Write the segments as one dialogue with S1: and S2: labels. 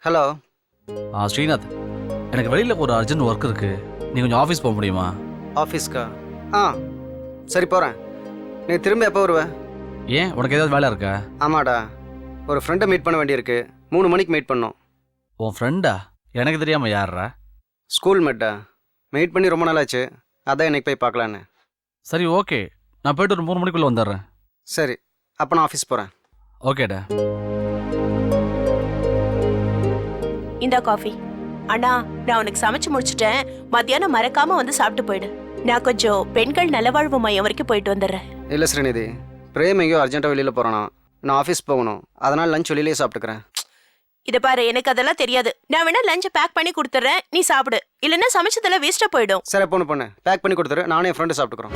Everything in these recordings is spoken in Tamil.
S1: ஹலோ.
S2: ஸ்ரீநாத், எனக்கு வெளியில் ஒரு அர்ஜென்ட் ஒர்க் இருக்கு. நீ கொஞ்சம் ஆஃபீஸ் போக முடியுமா?
S1: ஆஃபீஸ்க்கா? ஆ சரி போகிறேன். நீ திரும்ப எப்போ வருவ?
S2: ஏன், உனக்கு ஏதாவது வேலை இருக்கா?
S1: ஆமாடா, ஒரு ஃப்ரெண்டை மீட் பண்ண வேண்டியிருக்கு. 3 மணிக்கு மீட் பண்ணோம்.
S2: உன் ஃப்ரெண்டா? எனக்கு தெரியாமல் யாரா?
S1: ஸ்கூல் மேட்டா. மீட் பண்ணி ரொம்ப நாள் ஆச்சு, அதான் இன்னைக்கு போய் பார்க்கலான்னு.
S2: சரி ஓகே, நான் போய்ட்டு ஒரு 3 மணிக்குள்ளே வந்துடுறேன்.
S1: சரி, அப்போ நான் ஆஃபீஸ் போகிறேன்.
S2: ஓகேடா.
S3: இந்தா காஃபி. அண்ணா, நான் உனக்கு சமைச்சு முடிச்சிட்டேன். மத்தியானம் மறக்காம வந்து சாப்பிட்டு போயிடு. நான் கொஞ்சம் பெண்கள் நலவாழ்வு மையம் வரைக்கும் போயிட்டு வந்துடுறேன்.
S1: இல்லை ஸ்ரீநிதி, பிரேம் எங்கேயோ அர்ஜென்ட்டாக வெளியில் போகிறானா, நான் ஆஃபீஸ் போகணும். அதனால் லஞ்ச் வெளியிலேயே சாப்பிட்டுக்கிறேன்.
S3: இதை பாரு, எனக்கு அதெல்லாம் தெரியாது. நான் வேணா லஞ்சை பேக் பண்ணி கொடுத்துட்றேன், நீ சாப்பிடு. இல்லைன்னா சமைச்சதெல்லாம் வேஸ்ட்டாக போயிடும்.
S1: சரி, பொண்ணு பேக் பண்ணி கொடுத்துரு, நானும் என் ஃப்ரெண்டு சாப்பிட்டுக்கிறோம்.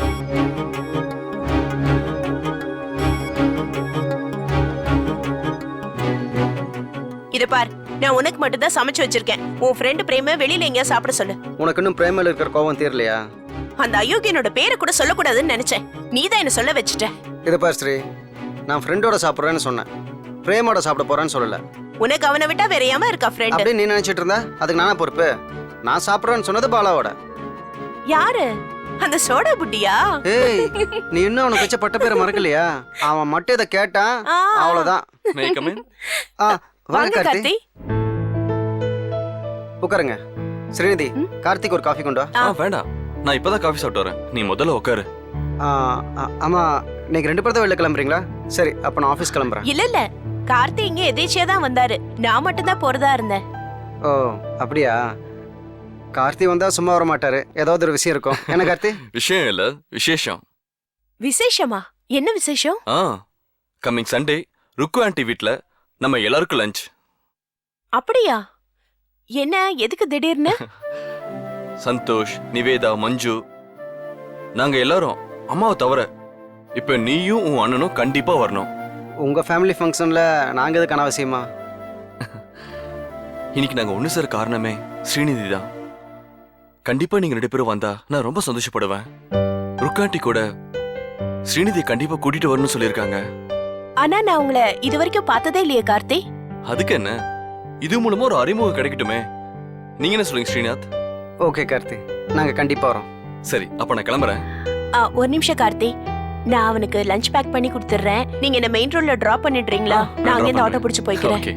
S3: இதை பார், நான் உனக்கு மட்டும் தான் சமைச்சு வச்சிருக்கேன். உன் ஃப்ரெண்டு பிரேம வெளியில எங்கேயா சாப்பிட சொல்லு.
S1: உனக்கு இன்னும் பிரேமில் இருக்கிற கோவம் தீரலையா?
S3: அந்த அயோக்கியனோட பேரை கூட சொல்லக்கூடாதுன்னு நினைச்சேன். நீ தான் என்ன சொல்ல வச்சுட்ட.
S1: இதை பார் ஸ்ரீ, நான் ஃப்ரெண்டோட சாப்பிட்றேன்னு சொன்னேன், பிரேமோட சாப்பிட போறேன்னு சொல்லல.
S3: உனக்கு அவனை விட்டா வேற ஏமா இருக்கா ஃப்ரெண்ட்?
S1: அப்படி நீ நினைச்சிட்டு இருந்தா அதுக்கு நானா பொறுப்பு? நான் சாப்பிட்றேன்னு சொன்னது பாலாவோட.
S3: யாரு? அந்த சோடா புட்டியா?
S1: ஏய், நீ இன்னும் அவனுக்கு வச்ச பட்ட பேரை மறக்கலையா? அவன் மட்டும் இதை கேட்டான், அவ்வளவுதான். வாங்க கார்த்தி, உட்காருங்க. ஸ்ரீநிதி, கார்த்திக் ஒரு காஃபி கொண்டு வா.
S4: வேண்டாம், நான் இப்பதான் காஃபி சாப்பிட்டு வரேன். நீ முதல்ல உட்காரு.
S1: ஆமா, நீங்க 2 பேரும் தான் வெளில கிளம்புறீங்களா? சரி, அப்ப நான் ஆபீஸ் கிளம்புறேன்.
S3: இல்ல, கார்த்தி இங்க எதேச்சியா தான் வந்தாரு. நான் மட்டும் தான் போறதா இருந்தேன்.
S1: ஓ அப்படியா? கார்த்தி வந்தா சும்மா வர மாட்டாரு, ஏதாவது ஒரு விஷயம் இருக்கும். என்ன கார்த்தி?
S4: விஷயம் இல்ல, விசேஷம்.
S3: விசேஷமா? என்ன விசேஷம்?
S4: கம்மிங் சண்டே ருக்கு ஆண்டி வீட்ல நம்ம எல்லாருக்கும் லஞ்ச்.
S3: அப்படியா? என்ன, எதுக்கு திடீர்னு?
S4: சந்தோஷ், நிவேதா, மஞ்சு, நாங்க எல்லாரும் அம்மாவை தவிர இப்ப நீயும் உன் அண்ணனும் கண்டிப்பா வரணும்.
S1: உங்க ஃபேமிலி ஃபங்க்ஷன்ல நாங்க எதுக்கு அனாவசியமா?
S4: இன்னைக்கு நாங்க ஒண்ணு சேர காரணமே ஸ்ரீநிதி தான். கண்டிப்பா நீங்க 2 பேரும் வந்தா நான் ரொம்ப சந்தோஷப்படுவேன். ருக்காண்டி கூட ஸ்ரீநிதி கண்டிப்பா கூட்டிட்டு வரணும்னு சொல்லியிருக்காங்க.
S3: ஆனா நான் உங்களை இது வரைக்கும் பார்த்ததே இல்லையே கார்த்தி.
S4: அதுக்கு என்ன, இது மூலமா ஒரு அறிமுகம் கிடைக்கட்டுமே. நீங்க என்ன சொல்றீங்க ஸ்ரீநாத்?
S1: ஓகே கார்த்தி, நாங்க கண்டிப்பா வரோம்.
S4: சரி, அப்ப நான் கிளம்புறேன்.
S3: ஒரு நிமிஷம் கார்த்தி, நான் அவனுக்கு லஞ்ச் பேக் பண்ணி கொடுத்துறேன். நீங்க என்ன மெயின் ரோட்ல டிராப் பண்ணிடுறீங்களா? நான் அங்கே இந்த ஆட்டோ பிடிச்சு போய்க்கிறேன்.
S4: ஓகே.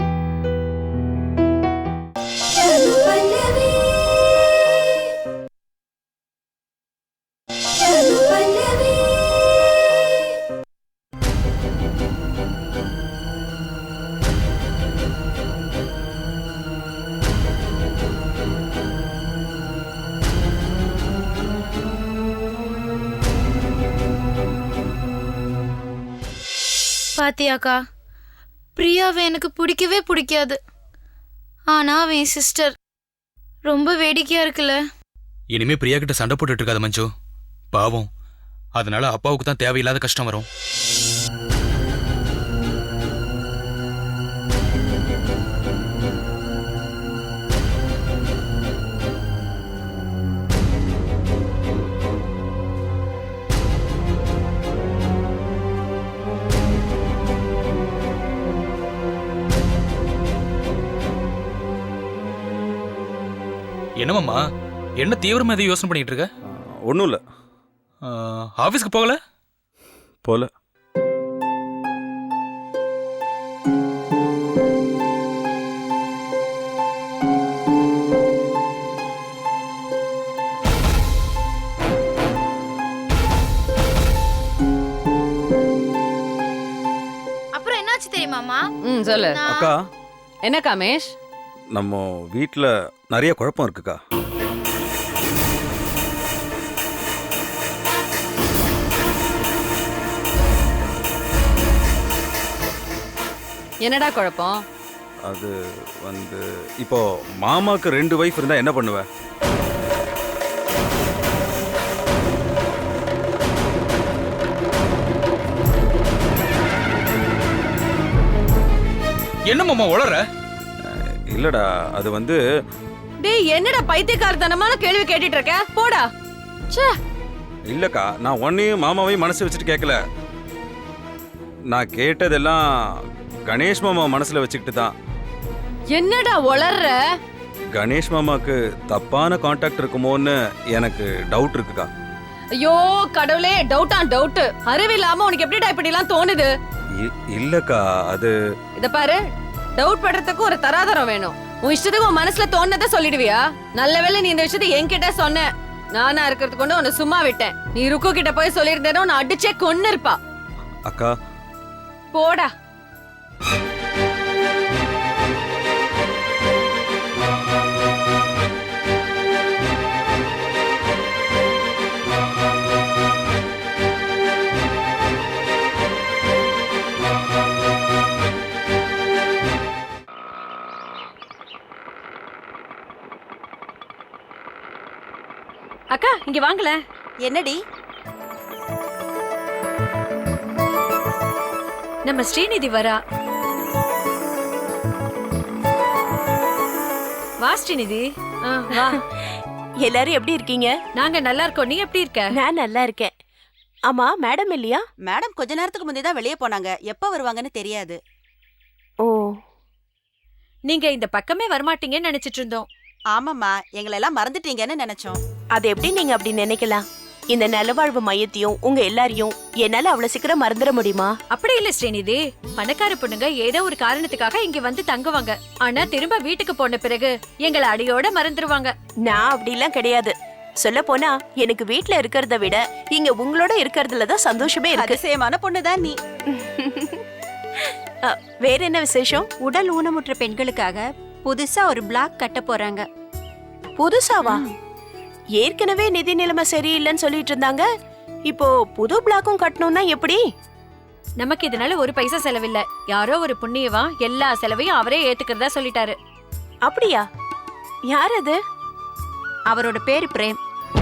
S5: பாத்தியாக்கா, பிரியாவை எனக்கு பிடிக்கவே பிடிக்காது. ஆனா அவன் என் சிஸ்டர். ரொம்ப வேடிக்கையா இருக்குல்ல.
S6: இனிமே பிரியா கிட்ட சண்டை போட்டுட்டு இருக்காத மஞ்சு, பாவம். அதனால அப்பாவுக்கு தான் தேவையில்லாத கஷ்டம் வரும். என்னமாம்மா, என்ன தீவிரமா எதையும் யோசனை பண்ணிட்டு இருக்க?
S7: ஒன்றும் இல்லை.
S6: ஆஃபீஸ்க்கு போகல?
S7: போல.
S5: அப்புறம் என்னாச்சு தெரியுமாமா?
S8: சொல்லு
S7: அக்கா,
S8: என்ன காமேஷ்?
S7: நம்ம வீட்டில் நிறைய குழப்பம் இருக்குக்கா.
S8: என்னடா குழப்பம்?
S7: அது இப்போ மாமாக்கு 2 வைஃப் இருந்தா என்ன பண்ணுவ?
S6: என்ன மாமா உளற?
S7: இல்லடா, அது
S8: டேய், என்னடா பைத்தியக்காரத்தனமான கேள்வி கேட்டுட்டு இருக்க? போடா. ச்சே.
S7: இல்லக்கா, நான் ஒன்னையும் மாமாவையும் மனசு வச்சுட்டு கேட்கல. நான் கேட்டதெல்லாம் கணேஷ் மாமா மனசுல வச்சுக்கிட்டு தான்.
S8: என்னடா உளர்ற?
S7: கணேஷ் மாமாக்கு தப்பான கான்டாக்ட் இருக்குமோன்னு எனக்கு டவுட் இருக்குக்கா.
S8: ஐயோ கடவுளே, டவுட். அறிவில்லாம உனக்கு எப்படிடா இப்படி எல்லாம் தோணுது?
S7: இல்லக்கா, அது
S8: இத பாரு, டவுட் பண்றதுக்கு ஒரு தராதரம் வேணும். உன் இஷ்டத்துக்கு உன் மனசுல தோணுனதை சொல்லிடுவியா? நல்ல வேளை நீ இந்த விஷயத்தை என்கிட்ட சொன்ன. நானா இருக்கிறது கொண்டு உன்னை சும்மா விட்டேன். நீ ருக்கு கிட்ட போய் சொல்லியிருந்தேனோ உன்னை அடிச்சே கொன்னு இருப்பா.
S7: அக்கா,
S8: போடா. அக்கா இங்க வாங்கல.
S9: என்னடி?
S8: நம்ம ஸ்ரீநிதி வரா. வா ஸ்ரீநிதி. வா.
S3: எல்லாரும் எப்படி இருக்கீங்க?
S8: நாங்க நல்லா இருக்கோம். நீ எப்படி இருக்க?
S3: நான் நல்லா இருக்கேன். ஆமா, மேடம் இல்லையா?
S9: மேடம் கொஞ்ச நேரத்துக்கு முந்தைய தான் வெளியே போனாங்க. எப்ப வருவாங்கன்னு தெரியாது.
S3: ஓ,
S8: நீங்க இந்த பக்கமே வரமாட்டீங்கன்னு நினைச்சிட்டு இருந்தோம்.
S9: ஆமாம்மா, எங்களை எல்லாம் மறந்துட்டீங்கன்னு நினைச்சோம்.
S3: அது எப்படி நீங்க அப்படி நினைக்கலாம்? இந்த நலவாழ்வு மையத்தையும் உங்க எல்லாரையும் என்னால அவ்வளவு சீக்கிரம் மறந்துட முடியுமா?
S8: அப்படி இல்ல ஸ்ரீநிதி. பணக்கார பொண்ணுங்க ஏதோ ஒரு காரணத்துக்காக இங்க வந்து தங்குவாங்க. ஆனா திரும்ப வீட்டுக்கு போன பிறகு எங்களை அடியோட மறந்துருவாங்க.
S3: நான் அப்படிலாம் கிடையாது. சொல்ல போனா எனக்கு வீட்ல இருக்கிறத விட இங்க உங்களோட இருக்கிறதுல தான் சந்தோஷமே இருக்கு.
S9: அதிசயமான பொண்ணுதான் நீ.
S3: வேற என்ன விசேஷம்?
S10: உடல் ஊனமுற்ற பெண்களுக்காக புதுசா ஒரு பிளாக் கட்ட போறாங்க.
S3: புதுசாவா? ஏற்கனவே நிதி நிலைமை சரியில்லைன்னு சொல்லிட்டு இருந்தாங்க. இப்போ புது பிளாக்கும் கட்டணும்னா எப்படி?
S8: நமக்கு இதனால ஒரு பைசா செலவில்ல. யாரோ ஒரு புண்ணியவா எல்லா செலவையும் அவரே ஏத்துக்கிறதா சொல்லிட்டாரு.
S3: அப்படியா? யார் அது?
S10: அவரோட பேரு பிரேம்.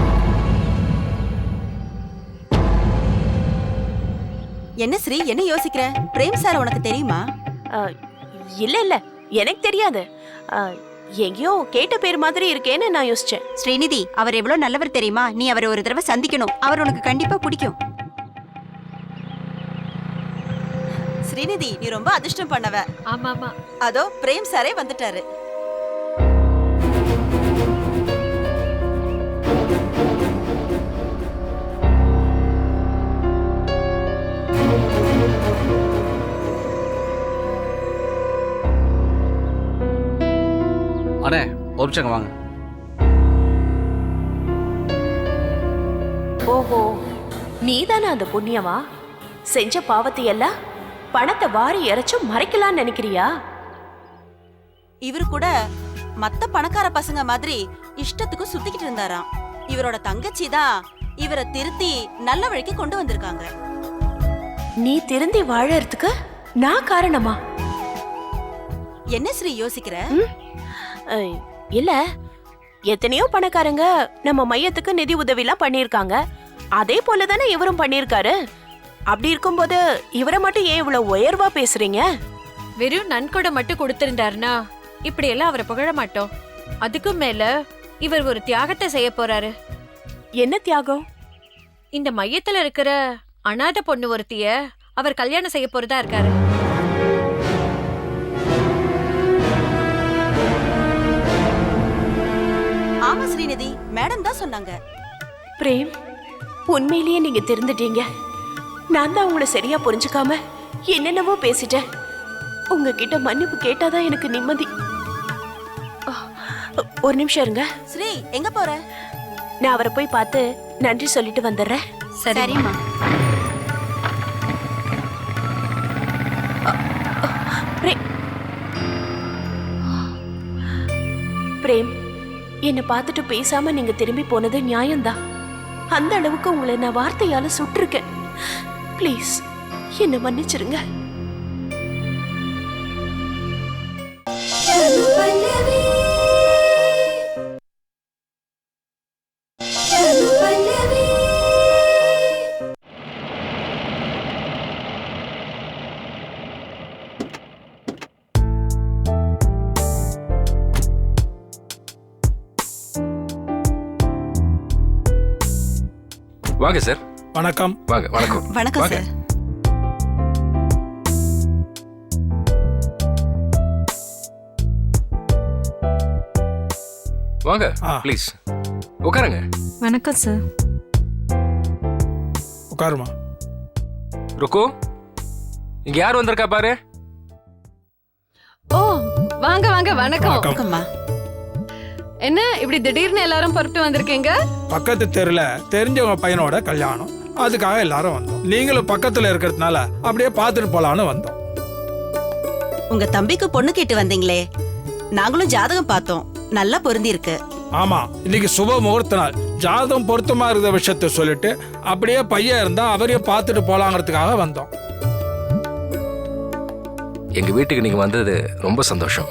S9: என்ன ஸ்ரீ, என்ன யோசிக்கிற? பிரேம் சார் உனக்கு தெரியுமா?
S3: இல்ல இல்ல, எனக்கு தெரியாது. எங்கேயோ கேட்ட பேர் மாதிரி இருக்கேன்னு நான் யோசிச்சேன்.
S10: ஸ்ரீநிதி, அவர் எவ்வளவு நல்லவர் தெரியுமா? நீ அவரை ஒரு தடவை சந்திக்கணும். அவர் உனக்கு கண்டிப்பா பிடிக்கும்.
S9: ஸ்ரீநிதி, நீ ரொம்ப அதிர்ஷ்டம் பண்ணவ.
S8: ஆமா ஆமா.
S9: அதோ பிரேம் சாரே வந்துட்டாரு.
S2: அண்ணே, ஒரு நிமிஷங்க வாங்க.
S3: ஓஹோ, நீதானே அந்த புண்ணியவா? செஞ்ச பாவத்தை எல்லாம் பணத்தை வாரி இறைச்சு மறைக்கலாம்னு நினைக்கிறியா?
S9: இவரு கூட மத்த பணக்கார பசங்க மாதிரி இஷ்டத்துக்கு சுத்திக்கிட்டு இருந்தாராம். இவரோட தங்கச்சி தான் இவரை திருத்தி நல்ல வழிக்கு கொண்டு வந்திருக்காங்க.
S3: நீ திருந்தி வாழறதுக்கு நான் காரணமா?
S9: என்ன ஸ்ரீ யோசிக்கிற?
S3: இல்ல, எத்தனையோ பணக்காரங்க நம்ம மையத்துக்கு நிதி உதவிலாம் பண்ணிருக்காங்க. அதே போலதானே இவரும் பண்ணிருக்காரு. அப்படி இருக்கும்போது இவரை மட்டும் ஏன் இவ்வளவு உயர்வா பேசுறீங்க?
S8: வெறும் நன்கொடை மட்டும் கொடுத்திருந்தாருன்னா இப்படி எல்லாம் அவரை புகழ மாட்டோம். அதுக்கும் மேல இவர் ஒரு தியாகத்தை செய்ய போறாரு.
S3: என்ன தியாகம்?
S8: இந்த மையத்துல இருக்கிற அனாதை பொண்ணு ஒருத்திய அவர் கல்யாணம் செய்ய போறதா இருக்காரு.
S9: ஆமா ஸ்ரீநிதி, மேடம் தான் சொன்னாங்க.
S3: பிரேம், உண்மையிலேயே நீங்க திருந்துட்டீங்க. நான் தான் உங்களை சரியா புரிஞ்சுக்காம என்னென்னவோ பேசிட்டேன். உங்ககிட்ட மன்னிப்பு கேட்டாதான் எனக்கு நிம்மதி. ஒரு நிமிஷம் இருங்க.
S9: ஸ்ரீ, எங்க போற?
S3: நான் அவரை போய் பார்த்து நன்றி சொல்லிட்டு வந்துடுறேன்.
S10: சரிம்மா.
S3: பிரேம், என்னை பார்த்துட்டு பேசாம நீங்க திரும்பி போனது நியாயம்தான். அந்த அளவுக்கு உங்களை நான் வார்த்தையால சுட்டிருக்கேன். ப்ளீஸ் என்ன மன்னிச்சிருங்க.
S11: வாங்க சார்.
S12: வணக்கம்.
S11: வாங்க. வணக்கம்.
S9: வணக்கம் சார்.
S11: வாங்க ப்ளீஸ் உட்காருங்க.
S5: வணக்கம் சார்.
S12: உட்காருமா.
S11: ருக்கு, இங்க யார் வந்திருக்கா பாரு.
S8: ஓ வாங்க வாங்க. வணக்கம்.
S9: வணக்கம்மா.
S8: என்ன இப்படி திடீர்னு எல்லாரும் புறப்பட்டு வந்திருக்கீங்க?
S12: பக்கத்து தெருல தெரிஞ்சவங்க பையனோட கல்யாணம், அதுக்காக எல்லாரும் வந்தோம். நீங்களும் பக்கத்துல இருக்கிறதுனால அப்படியே பார்த்துட்டு போலான்னு வந்தோம்.
S9: உங்க தம்பிக்கு பொண்ணு கேட்டு வந்தீங்களே, நாங்களும் ஜாதகம் பார்த்தோம், நல்லா பொருந்தி இருக்கு.
S12: ஆமா, இன்னைக்கு சுப முகூர்த்த நாள். ஜாதகம் பொருத்தமா இருக்கிற விஷயத்த சொல்லிட்டு அப்படியே பையன் இருந்தா அவரையும் பார்த்துட்டு போலாங்கிறதுக்காக வந்தோம்.
S11: எங்க வீட்டுக்கு நீங்க வந்தது ரொம்ப சந்தோஷம்.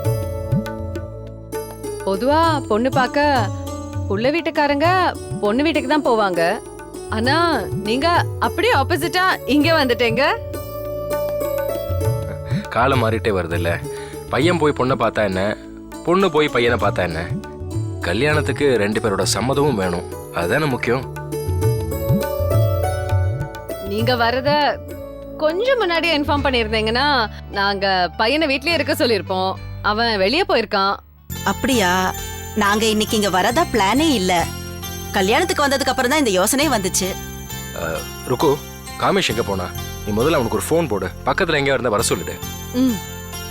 S8: பொதுவா பொண்ணு பார்க்க புள்ள வீட்டுக்காரங்க பொண்ணு வீட்டுக்கு தான் போவாங்க. ஆனா நீங்க அப்படியே ஆப்போசிட்டா இங்க வந்துட்டீங்க.
S11: காலம் மாறிட்டே வருது இல்ல. பையன் போய் பொண்ணை பார்த்தா என்ன, பொண்ணு போய் பையனை பார்த்தா என்ன, கல்யாணத்துக்கு 2 பேரோட சம்மதமும் வேணும். அதுதானே முக்கியம்.
S8: நீங்க வரத கொஞ்சம் முன்னாடியே இன்ஃபார்ம் பண்ணியிருந்தீங்கன்னா நாங்க பையனை வீட்லயே இருக்க சொல்லியிருப்போம். அவன் வெளியே போயிருக்கான்.
S9: அப்படியா? நாங்க இன்னைக்கு இங்க வரதா பிளானே இல்ல. கல்யாணத்துக்கு வந்ததுக்கு அப்புறம் தான் இந்த யோசனையே வந்துச்சு.
S11: ருக்கு, காமேஷ் எங்க போனா? நீ முதல்ல அவனுக்கு ஒரு ஃபோன் போடு, பக்கத்துல எங்கேயா இருந்தா வர சொல்லிடு.
S8: ம்.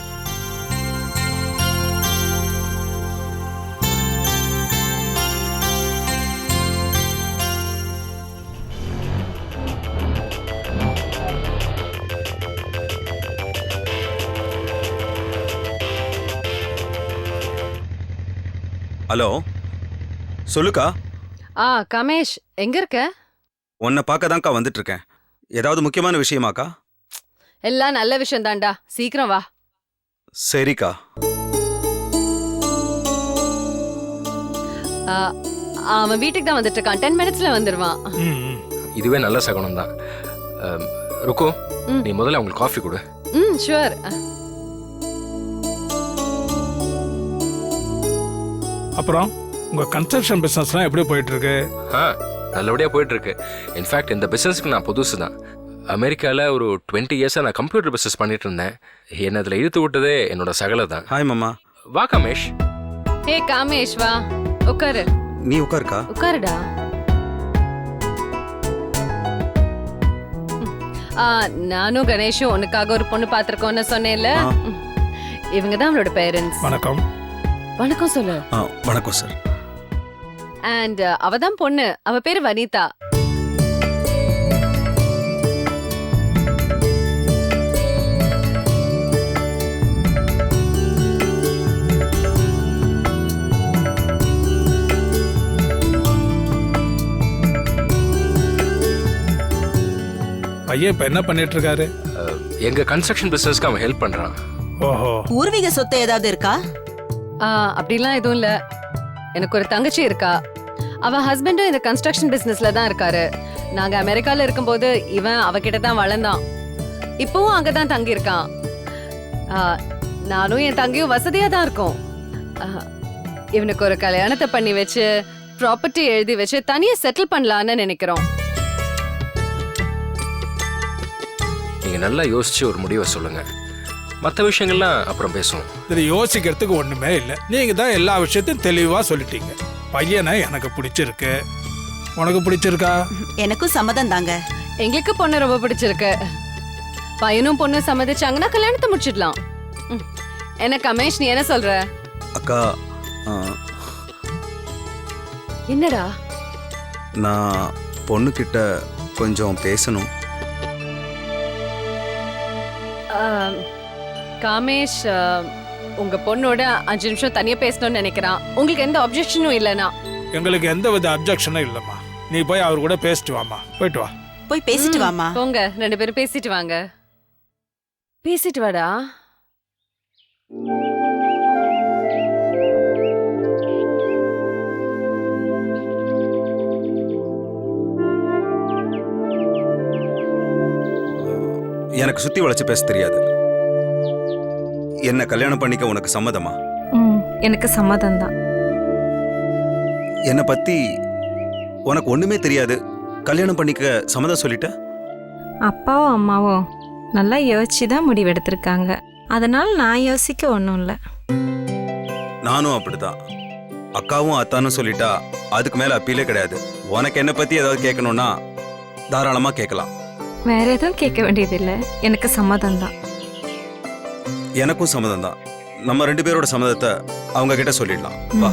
S7: ஹலோ, சொல்லுக்கா.
S8: கமேஷ் எங்க இருக்க?
S7: உன்னை பார்க்க தான்க்கா வந்துட்டு இருக்கேன். ஏதாவது முக்கியமான விஷயமாக்கா?
S8: எல்லாம் நல்ல விஷயம் தான்டா, சீக்கிரம் வா.
S7: சரிக்கா.
S8: அவன் வீட்டுக்கு தான் வந்துட்டு இருக்கான். 10 மினிட்ஸ்ல வந்துருவான்.
S11: இதுவே நல்ல சகுனம் தான். ருக்கு, நீ முதல்ல அவங்களுக்கு காஃபி கொடு.
S8: ம் ஷூர்.
S12: அப்புறம் உங்க கன்ஸ்ட்ரக்ஷன் பிசினஸ்லாம் எப்படி போயிட்டு இருக்கு?
S11: நல்லபடியா போயிட்டு இருக்கு. இன்ஃபேக்ட் இந்த பிசினஸ்க்கு நான் புதுசு தான். அமெரிக்காவில் ஒரு 20 இயர்ஸாக நான் கம்ப்யூட்டர் பிசினஸ் பண்ணிட்டு இருந்தேன். என்ன அதில் இழுத்து விட்டதே என்னோட சகலை தான்.
S7: ஹாய் மாமா.
S11: வா கமேஷ்.
S8: ஹே காமேஷ் வா, உட்காரு.
S7: நீ உட்காருக்கா.
S8: உட்காருடா. நானும் கணேஷும் உனக்காக ஒரு பொண்ணு பார்த்திருக்கோம்னு சொன்னேன்ல. இவங்க தான் அவளோட பேரண்ட்ஸ்.
S12: வணக்கம்.
S8: வணக்கம் சொல்லு.
S7: வணக்கம் சார்.
S8: அண்ட் அவ தான் பொண்ணு. அவ பேரு வனிதா.
S12: பையன் இப்ப என்ன பண்ணிட்டு இருக்காரு?
S11: எங்க கன்ஸ்ட்ரக்ஷன் பிசினஸ்க்கு அவன் ஹெல்ப் பண்றான்.
S12: ஓஹோ.
S9: பூர்வீக சொத்து ஏதாவது இருக்கா?
S8: அப்படிலாம் எதுவும் இல்ல. எனக்கு ஒரு தங்கச்சி இருக்கா. அவ ஹஸ்பண்டும் இந்த கன்ஸ்ட்ரக்ஷன் பிசினஸ்ல தான் இருக்காரு. நாங்க அமெரிக்கால இருக்கும்போது இவன் அவகிட்ட தான் வளர்ந்தான். இப்பவும் அங்கதான் தங்கி இருக்கான். நானும் என் தங்கையும் வசதியா தான் இருக்கோம். இவனுக்கு ஒரு கல்யாணத்தை பண்ணி வச்சு ப்ராப்பர்ட்டி எழுதி வச்சு தனியா செட்டில் பண்ணலான்னு நினைக்கிறோம்.
S11: நீங்க நல்லா யோசிச்சு ஒரு முடிவை சொல்லுங்க. மற்ற விஷயங்கள்லாம் அப்புறம் பேசுவோம்.
S12: இது யோசிக்கிறதுக்கு ஒண்ணுமே இல்லை. நீங்க தான் எல்லா விஷயத்தையும் தெளிவா சொல்லிட்டீங்க. பையனை எனக்கு பிடிச்சிருக்கு. உனக்கு பிடிச்சிருக்கா?
S9: எனக்கும் சம்மதம் தாங்க.
S8: எங்களுக்கு பொண்ணு ரொம்ப பிடிச்சிருக்கு. பையனும் பொண்ணும் சம்மதிச்சாங்கன்னா கல்யாணத்தை முடிச்சிடலாம். என்ன கமேஷ், நீ என்ன சொல்ற?
S7: அக்கா,
S8: என்னடா?
S7: நான் பொண்ணுகிட்ட கொஞ்சம் பேசணும்.
S8: காமேஷ் உங்க பொண்ணோட 5 நிமிஷம் தனியா பேசணும்னு நினைக்கிறான். உங்களுக்கு எந்த அப்ஜெக்ஷனும் இல்லைனா?
S12: எங்களுக்கு எந்த வித அப்ஜெக்ஷனும் இல்லம்மா. நீ போய் அவர் கூட பேசிட்டு வாமா. போயிட்டு வா.
S9: போய் பேசிட்டு வாமா.
S8: போங்க, 2 பேரும் பேசிட்டு வாங்க. பேசிட்டு வாடா.
S7: எனக்கு சுத்தி வளைச்சு பேச தெரியாது. என்ன கல்யாணம் பண்ணிக்க உனக்கு சம்மதமா?
S5: எனக்கு சம்மதம் தான்.
S7: என்னை பத்தி உனக்கு ஒண்ணுமே தெரியாது, கல்யாணம் பண்ணிக்க சம்மதம் சொல்லிட்ட?
S5: அப்பாவும் அம்மாவும் நல்லா யோசிச்சு தான் முடிவெடுத்திருக்காங்க. அதனால நான் யோசிக்க ஒன்றும் இல்லை.
S7: நானும் அப்படிதான். அக்காவும் அத்தானும் சொல்லிட்டா அதுக்கு மேல அப்பீலே கிடையாது. உனக்கு என்ன பத்தி ஏதாவது கேட்கணும்னா தாராளமா கேட்கலாம்.
S5: வேற எதுவும் கேட்க வேண்டியதில்லை, எனக்கு சம்மதம் தான்.
S7: எனக்கும் சம்மதம் தான். நம்ம 2 பேரோட சம்மதத்தை அவங்க கிட்ட சொல்லிடலாம். வா.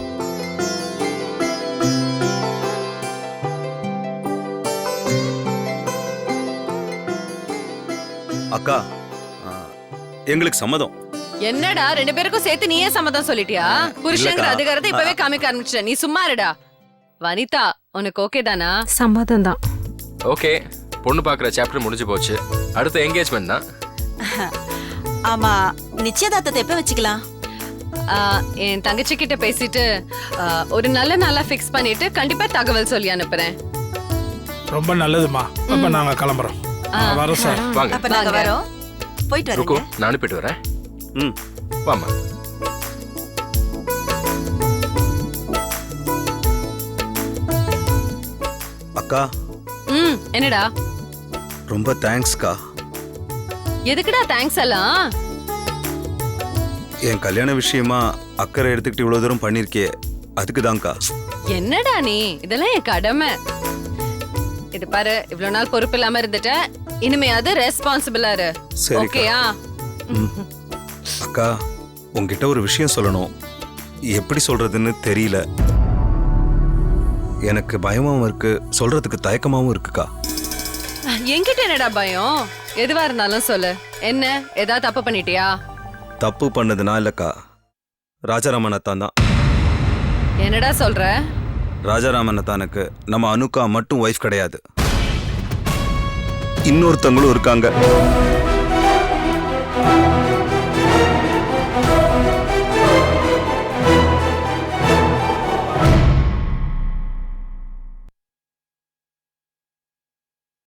S7: அக்கா, எங்களுக்கு சம்மதம்.
S8: என்னடா 2 பேருக்கும் சேர்த்து நீயே சம்மதம் சொல்லிட்டியா? புருஷங்கிற
S7: இல்லக்கா.
S8: அதிகாரத்தை இப்பவே காமிக்க ஆரம்பிச்சிட்ட. நீ சும்மா இருடா. வனிதா, உனக்கு ஓகே தானா?
S5: சம்மதம் தான்.
S11: ஓகே, பொண்ணு பார்க்குற சாப்டர் முடிஞ்சு போச்சு. அடுத்த என்கேஜ்மெண்ட் தான்.
S9: ஆமா, நிச்சயதார்த்தத்தை எப்ப வச்சுக்கலாம்?
S8: என் தங்கச்சி கிட்ட பேசிட்டு ஒரு நல்ல நாளா ஃபிக்ஸ் பண்ணிட்டு கண்டிப்பா தகவல் சொல்லி அனுப்புறேன்.
S12: ரொம்ப நல்லதுமா. அப்ப நாங்க கிளம்புறோம். வரோம் சார்.
S11: வாங்க
S9: அப்ப நாங்க வரோம். போயிட்டு
S11: ருக்கு,
S9: வரேங்க.
S11: நான் அனுப்பிட்டு வரேன்.
S7: ம்.
S11: வாமா.
S7: அக்கா,
S8: என்னடா?
S7: ரொம்ப தேங்க்ஸ்க்கா.
S8: எதுக்குடா தேங்க்ஸ் எல்லாம்?
S7: என் கல்யாண விஷயமா அக்கறை எடுத்துக்கிட்டு இவ்வளவு தூரம் பண்ணிருக்கியே, அதுக்கு தான்க்கா.
S8: என்னடா நீ? இதெல்லாம் என் கடமை. இது பாரு, இவ்வளவு நாள் பொறுப்பு இல்லாம இருந்துட்ட, இனிமையாவது ரெஸ்பான்சிபிளா இரு.
S7: சரிக்கா.
S8: ஓகேயா?
S7: அக்கா, உங்ககிட்ட ஒரு விஷயம் சொல்லணும். எப்படி சொல்றதுன்னு தெரியல. எனக்கு பயமாவும் இருக்கு, சொல்றதுக்கு தயக்கமாவும் இருக்குக்கா.
S8: என்கிட்ட என்னடா பயம்? எதுவா இருந்தாலும் சொல்லு. என்ன, ஏதாவது தப்பு பண்ணிட்டியா?
S7: தப்பு பண்ணதுனா இல்லக்கா, ராஜாராமன் அத்தான் தான்.
S8: என்னடா சொல்ற?
S7: ராஜாராமன் அத்தானுக்கு நம்ம அனுக்கா மட்டும் ஒய்ஃப் கிடையாது, இன்னொருத்தங்களும் இருக்காங்க.